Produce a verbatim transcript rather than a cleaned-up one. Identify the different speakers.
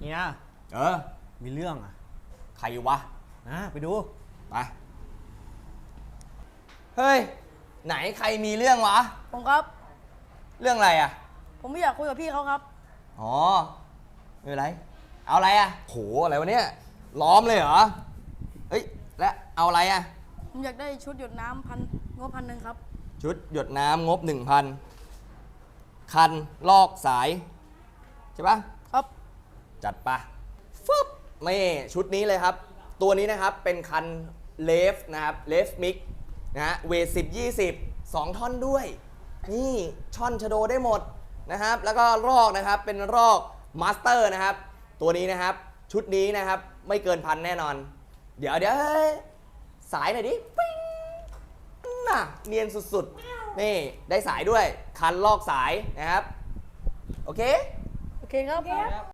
Speaker 1: เนี่ย
Speaker 2: เออ
Speaker 1: มีเรื่องอ่ะ
Speaker 2: ใครวะ
Speaker 1: นะไปดู
Speaker 2: ไปเฮ้ยไหนใครมีเรื่องวะ
Speaker 3: ผมครับ
Speaker 2: เรื่องอะไรอ่ะ
Speaker 3: ผมไม่อยากคุยกับพี่เขาครับ
Speaker 2: อ๋อไม่เป็นไรเอาอะไรอ่ะโหอะไรวะเนี่ยล้อมเลยเหรอเฮ้ยแล้วเอาอะไรอ่ะ
Speaker 3: ผมอยากได้ชุดหยดน้ำพันงบพันหนึ่งครับ
Speaker 2: ชุดหยดน้ำงบหนึ่งพันคันลอกสายใช่ปะ
Speaker 3: ครับ
Speaker 2: จัดปะฟึบนี่ชุดนี้เลยครับตัวนี้นะครับเป็นคันเลฟนะครับเลฟมิกนะฮะเวทสิบยี่สิบสองท่อนด้วยนี่ช่อนชโดได้หมดนะครับแล้วก็รอกนะครับเป็นรอกมาสเตอร์นะครับตัวนี้นะครับชุดนี้นะครับไม่เกินพันแน่นอนเดี๋ยวเดี๋ยวสายหน่อยดิปิ้งน่ะเนียนสุดๆนี่ได้สายด้วยคันลอกสายนะครับโอเค
Speaker 3: โอเคครับ